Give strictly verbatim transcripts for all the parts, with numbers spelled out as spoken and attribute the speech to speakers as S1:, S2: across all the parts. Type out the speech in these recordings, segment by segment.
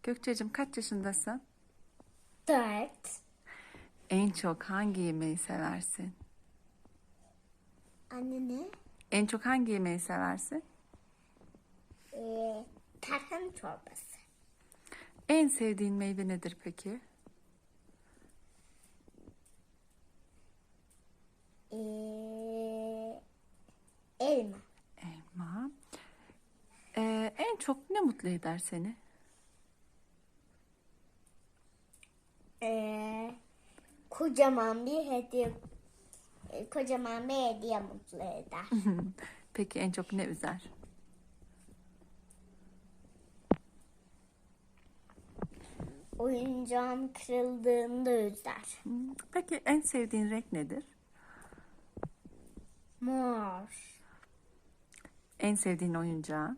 S1: Gökçe'cim kaç yaşındasın?
S2: Dört.
S1: En çok hangi yemeği seversin?
S2: Anne ne?
S1: En çok hangi yemeği seversin?
S2: Ee, tarhana çorbası.
S1: En sevdiğin meyve nedir peki?
S2: Ee, elma.
S1: Elma. Ee, en çok ne mutlu eder seni?
S2: Ee, kocaman bir hediye. e, Kocaman bir hediye mutlu eder.
S1: Peki en çok ne üzer?
S2: Oyuncağım kırıldığında üzer.
S1: Hmm, Peki en sevdiğin renk nedir?
S2: Mor.
S1: En sevdiğin oyuncağın?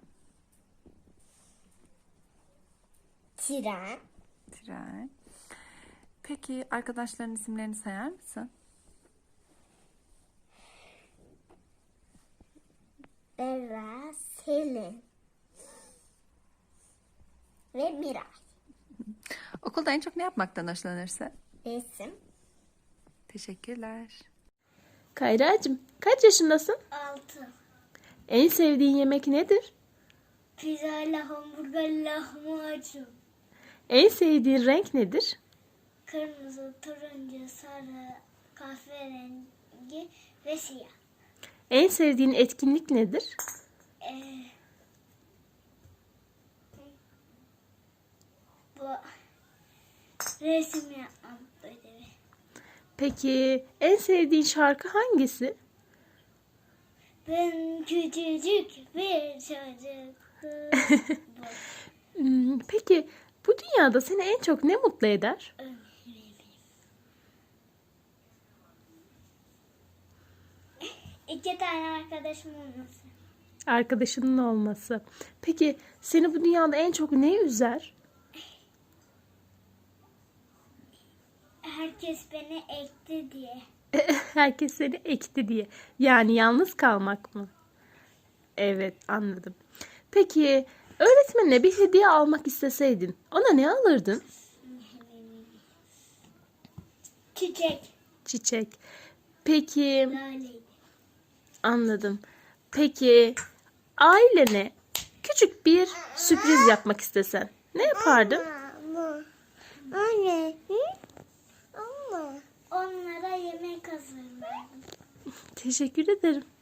S2: Tren.
S1: Tren. Peki arkadaşların isimlerini sayar mısın?
S2: Bera, Selin. Ve Miray.
S1: Okulda en çok ne yapmaktan hoşlanırsın?
S2: Resim.
S1: Teşekkürler.
S3: Kayracığım, kaç yaşındasın?
S2: Altı.
S3: En sevdiğin yemek nedir?
S2: Pizza ile hamburger lahmacun.
S3: En sevdiğin renk nedir?
S2: Kırmızı, turuncu, sarı, kahverengi ve siyah.
S3: En sevdiğin etkinlik nedir?
S2: Ee, bu resim yapmam ödevi.
S3: Peki en sevdiğin şarkı hangisi?
S2: Ben küçücük bir çocuktum.
S3: Hmm, Peki bu dünyada seni en çok ne mutlu eder?
S2: İki tane arkadaşım olması.
S3: Arkadaşının olması. Peki seni bu dünyada en çok ne üzer?
S2: Herkes beni ekti diye.
S3: Herkes seni ekti diye. Yani yalnız kalmak mı? Evet, anladım. Peki öğretmenine bir hediye almak isteseydin ona ne alırdın?
S2: Çiçek.
S3: Çiçek. Peki,
S2: Laleydi.
S3: anladım. Peki ailene küçük bir sürpriz yapmak istesen ne yapardın?
S2: Ama. Anne. Ama. Onlara yemek hazırlardım.
S3: Teşekkür ederim.